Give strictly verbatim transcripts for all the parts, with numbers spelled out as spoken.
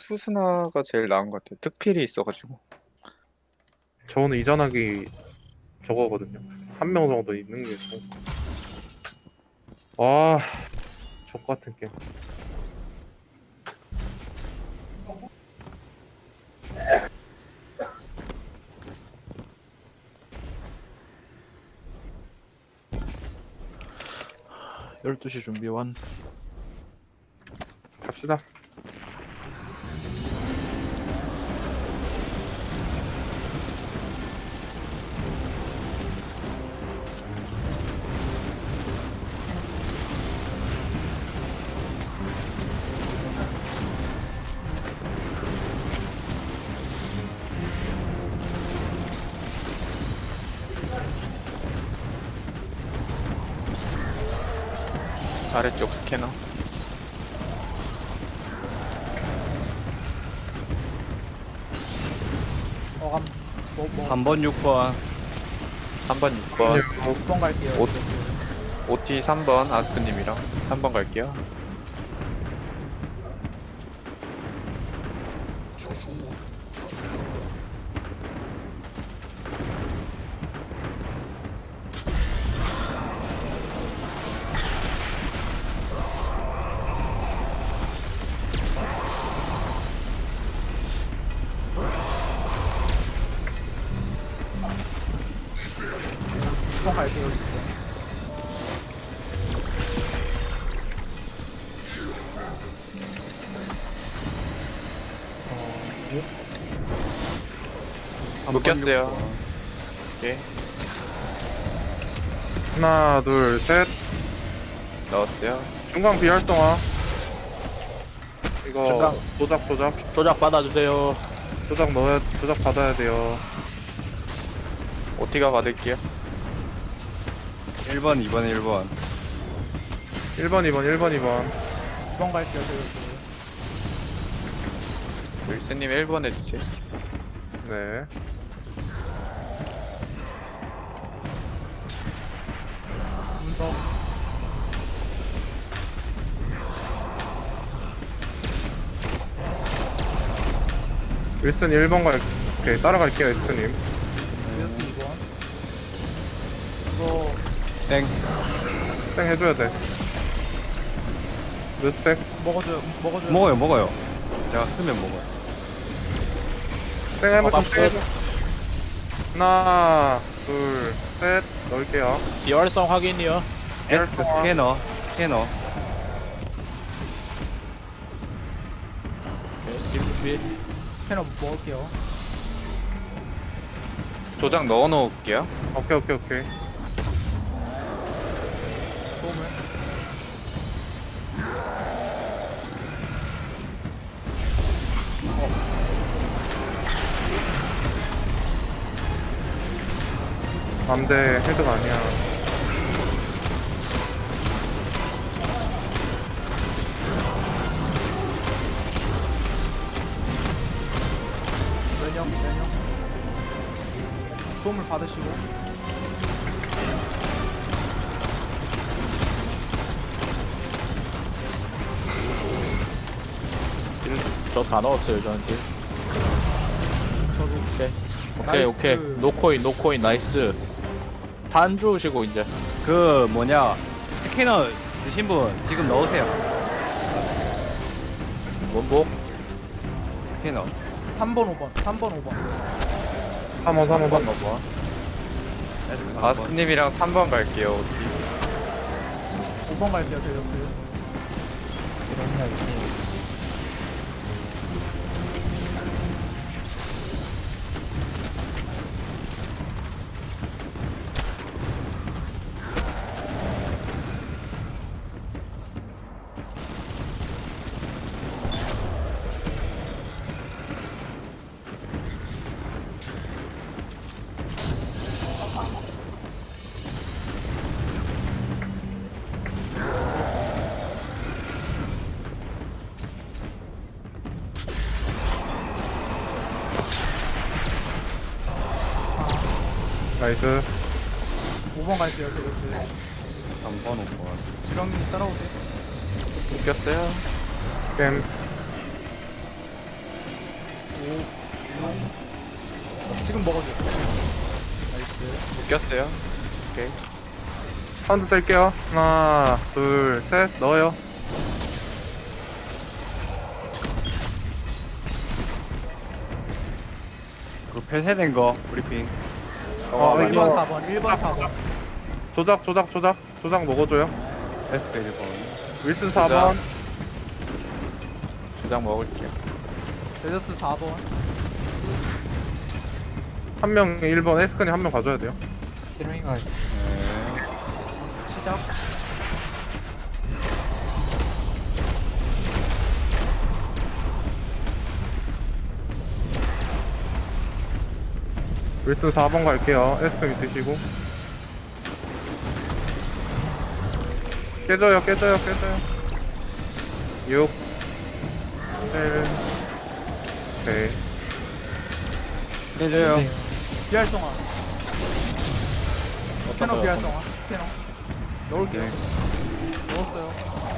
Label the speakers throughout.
Speaker 1: 투스나가 제일 나은 것 같아요. 특필이 있어가지고.
Speaker 2: 저는 이전하기 저거거든요. 한 명 정도 있는 게 좀. 와, 족 같은 게임.
Speaker 3: 열두 시 준비 완.
Speaker 2: 갑시다.
Speaker 1: 아래쪽 스캐너.
Speaker 4: 어감 뭐, 뭐
Speaker 5: 삼 번, 육 번.
Speaker 1: 삼 번, 육 번.
Speaker 4: 육 번 갈게요.
Speaker 1: 옷. 오티 삼 번 아스크님이랑 삼 번 갈게요.
Speaker 4: 육 번 갈게요. 육 번.
Speaker 1: 묶였어요. 오케이.
Speaker 2: 하나, 둘, 셋.
Speaker 1: 넣었어요.
Speaker 2: 중간 비활성화. 이거
Speaker 3: 중간.
Speaker 2: 조작, 조작,
Speaker 3: 조작 받아주세요.
Speaker 2: 조작 넣어야, 조작 받아야 돼요.
Speaker 1: 오티가 받을게요.
Speaker 5: 일 번, 이 번, 일 번.
Speaker 2: 일 번, 이 번, 일 번, 이 번.
Speaker 4: 육 번 갈게요. 저
Speaker 1: 윌스님 일 번 해주세요.
Speaker 2: 네.
Speaker 4: 분석.
Speaker 2: 윌슨 일 번 갈, 오케이, 따라갈게요, 에스크님.
Speaker 4: 이렇게 이 번. 이거
Speaker 5: 땡.
Speaker 2: 땡 해줘야 돼. 몇 스택?
Speaker 4: 먹어줘요. 먹어줘요.
Speaker 5: 먹어요, 먹어요. 제가 쓰면 먹어요.
Speaker 2: 땡 해볼
Speaker 3: 어,
Speaker 2: 좀 땡해줘. 하나, 둘, 셋. 넣을게요.
Speaker 3: 비활성 확인이요.
Speaker 5: 에스크 스캐너, 스캐너.
Speaker 3: 오케이, 딜 준비.
Speaker 4: 스캐너 먹을게요.
Speaker 1: 조작 넣어 놓을게요.
Speaker 2: 오케이, 오케이, 오케이.
Speaker 4: 소음을.
Speaker 2: 안돼, 헤드가 아니야.
Speaker 4: 면역 면역. 소음을 받으시고.
Speaker 3: 저 다 넣었어요, 저한테.
Speaker 4: 저도
Speaker 3: 오케이. 오케이,
Speaker 4: 나이스.
Speaker 3: 오케이. 노코인, 노코인, 나이스. 단 주우시고, 이제.
Speaker 5: 그, 뭐냐. 스캐너 드신 분, 지금 넣으세요.
Speaker 3: 원복.
Speaker 5: 스캐너.
Speaker 4: 삼 번, 오 번. 삼 번, 오 번.
Speaker 2: 삼 번, 삼 번, 삼 번.
Speaker 3: 넘어와.
Speaker 5: 에스크 삼 번.
Speaker 1: 아스크님이랑 삼 번 갈게요. 오티.
Speaker 4: 오 번 갈게요. 저 옆에.
Speaker 2: 나이스.
Speaker 4: 오 번 갈게요. 저 옆에.
Speaker 5: 삼 번, 오 번.
Speaker 4: 지렁이 따라오세요.
Speaker 1: 묶였어요.
Speaker 2: 게임.
Speaker 4: 지금 먹어줘. 나이스.
Speaker 1: 묶였어요. 오케이.
Speaker 2: 카운트 셀게요. 하나, 둘, 셋. 넣어요.
Speaker 5: 그 폐쇄된 거 브리핑.
Speaker 2: 어,
Speaker 4: 일
Speaker 2: 이거-
Speaker 4: 번, 사 번, 일 번, 사 번.
Speaker 2: 조작, 조작, 조작. 조작 먹어줘요.
Speaker 5: 에스페이드 번.
Speaker 2: 윌슨 사 번.
Speaker 1: 조작 먹을게요.
Speaker 4: 데저트 사 번.
Speaker 2: 한 명 일 번. 에스크님 한 명 가져야 돼요.
Speaker 4: 시작.
Speaker 2: 윌슨 사 번 갈게요. 에스크님 드시고. 깨져요, 깨져요, 깨져요. 육, 칠, 오케이.
Speaker 5: 깨져요.
Speaker 4: 비활성화. 스캐너 비활성화. 스캐너. 넣을게요. 넣었어요.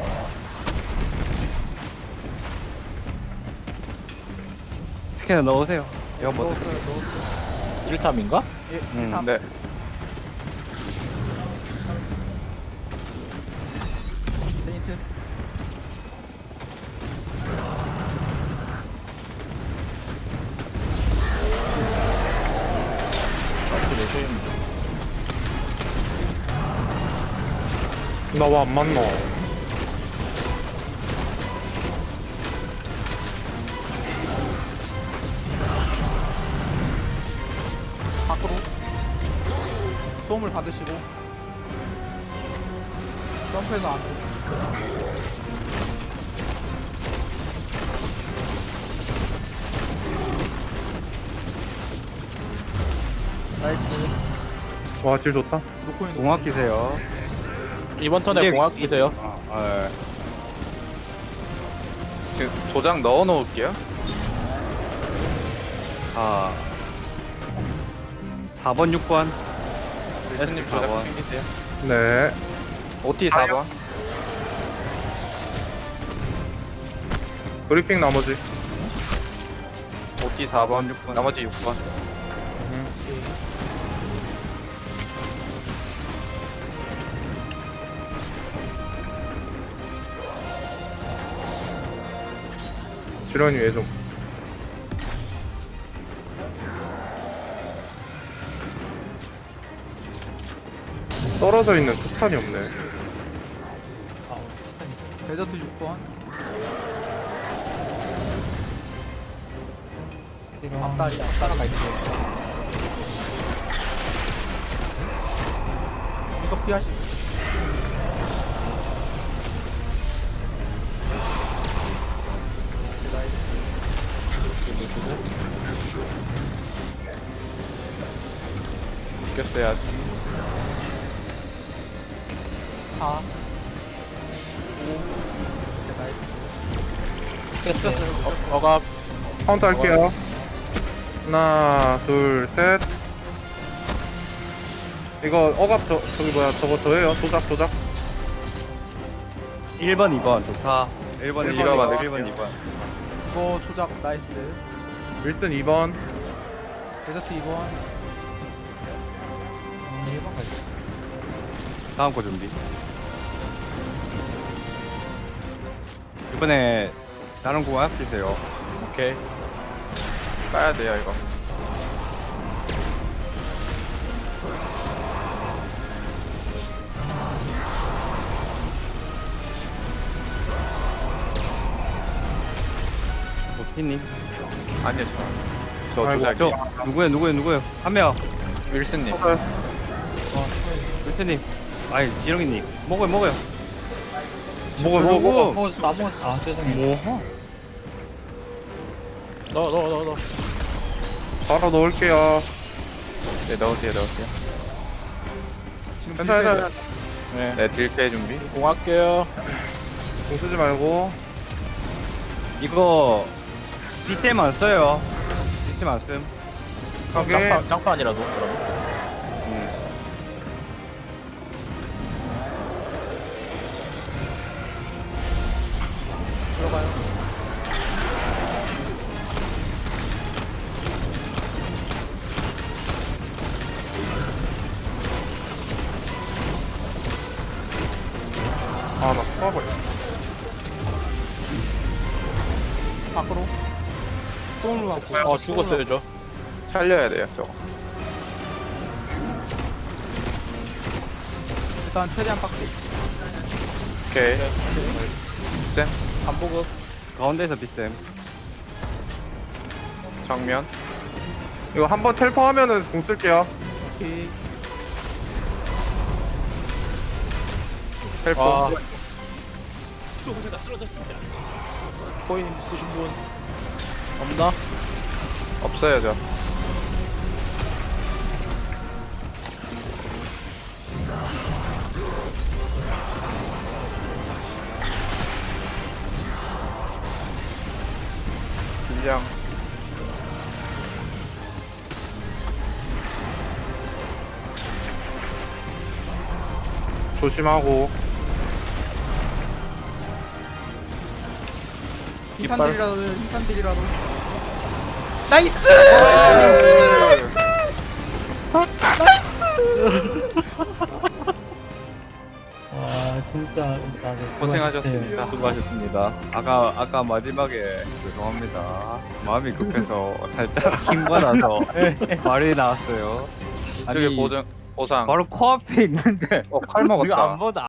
Speaker 5: 스캐너 넣으세요. 이거 뭐
Speaker 4: 넣었어요. 넣었어요.
Speaker 3: 일 탐인가?
Speaker 4: 예,
Speaker 5: 음,
Speaker 4: 탑.
Speaker 1: 네.
Speaker 4: 세인트.
Speaker 2: 나 왜 안 맞노?
Speaker 4: 밖으로. 소음을 받으시고. 점프해서 안으로. 나이스.
Speaker 2: 와, 질 좋다.
Speaker 4: 놓고 있는
Speaker 5: 공학 기세요.
Speaker 3: 이번 턴에
Speaker 5: 이제-
Speaker 3: 공학 기대요.
Speaker 5: 아, 아,
Speaker 1: 지금 조작 넣어 놓을게요.
Speaker 5: 아. 사 번, 육 번.
Speaker 1: 윌슨님
Speaker 5: 사
Speaker 1: 조작
Speaker 5: 번.
Speaker 1: 챙기세요.
Speaker 2: 네.
Speaker 1: 오티 사 번.
Speaker 2: 브리핑 나머지.
Speaker 1: 오티 사 번.
Speaker 5: 육 번.
Speaker 1: 나머지 육 번.
Speaker 2: 지런이 왜 좀. 떨어져 있는 투탄이 없네.
Speaker 4: 데저트 육 번. 앞다리, 앞다리. 계속 피하시.
Speaker 1: 묶였어요.
Speaker 4: 사. 오. 나이스. 됐어요.
Speaker 3: 어갑
Speaker 2: 카운트 할게요. 하나, 둘, 셋. 이거 억압 저, 저기 뭐야, 저거 저예요. 조작, 조작.
Speaker 5: 일 번, 이 번. 좋다. 일 번, 이
Speaker 2: 일 번,
Speaker 5: 번,
Speaker 2: 이
Speaker 5: 일 번, 이 번.
Speaker 4: 이거 조작 나이스.
Speaker 2: 윌슨 이 번.
Speaker 4: 데저트 이 번.
Speaker 5: 다음 거 준비. 이번에 다른 공학 기세요.
Speaker 3: 오케이.
Speaker 1: 까야 돼요 이거.
Speaker 5: 오티님.
Speaker 1: 아니요 저. 저
Speaker 2: 아이고,
Speaker 1: 조작이요.
Speaker 5: 저 누구예요, 누구예요, 누구예요? 한 명.
Speaker 1: 윌슨님.
Speaker 5: 루테님. 아이, 지렁이님. 먹어요, 먹어요.
Speaker 2: 먹어, 먹어, 먹어.
Speaker 4: 먹었어. 나 먹었어. 아,
Speaker 2: 뭐?
Speaker 3: 넣어 넣어 넣어 넣어.
Speaker 2: 바로 넣을게요.
Speaker 1: 네 넣으세요 넣으세요.
Speaker 4: 지금
Speaker 2: 괜찮아,
Speaker 4: 딜
Speaker 2: 괜찮아.
Speaker 3: 네.
Speaker 1: 네 딜페 준비.
Speaker 3: 공할게요.
Speaker 2: 공 쓰지 말고.
Speaker 5: 이거 시스템 안 써요. 시스템 안 쓴.
Speaker 2: 하게.
Speaker 3: 장판 장판이라도 그럼.
Speaker 5: 음.
Speaker 4: 들어가요. 밖으로. 소음으로 갖고.
Speaker 3: 어 죽었어요 저.
Speaker 1: 살려야 돼요 저거.
Speaker 4: 일단 최대한 빡게.
Speaker 1: 오케이. 쌤
Speaker 3: 한보급.
Speaker 5: 가운데서 빗셈.
Speaker 1: 정면.
Speaker 2: 이거 한번 텔포하면은 공 쓸게요.
Speaker 4: 오케이.
Speaker 1: 헬프.
Speaker 3: 아. 코인 쓰신 분 없나?
Speaker 1: 없어요 저. 긴장.
Speaker 2: 조심하고.
Speaker 4: 흰산들이라도 흰산들이라도. 나이스!
Speaker 6: 와 진짜 다들
Speaker 1: 고생하셨습니다.
Speaker 3: 수고하셨습니다.
Speaker 5: 아까 아까 마지막에 죄송합니다. 마음이 급해서 살짝 힘받아서 말이 나왔어요.
Speaker 1: 이쪽에 보정 보상.
Speaker 5: 바로 코앞에 있는데
Speaker 1: 어 칼
Speaker 5: 이거
Speaker 1: 먹었다.
Speaker 5: 안 보다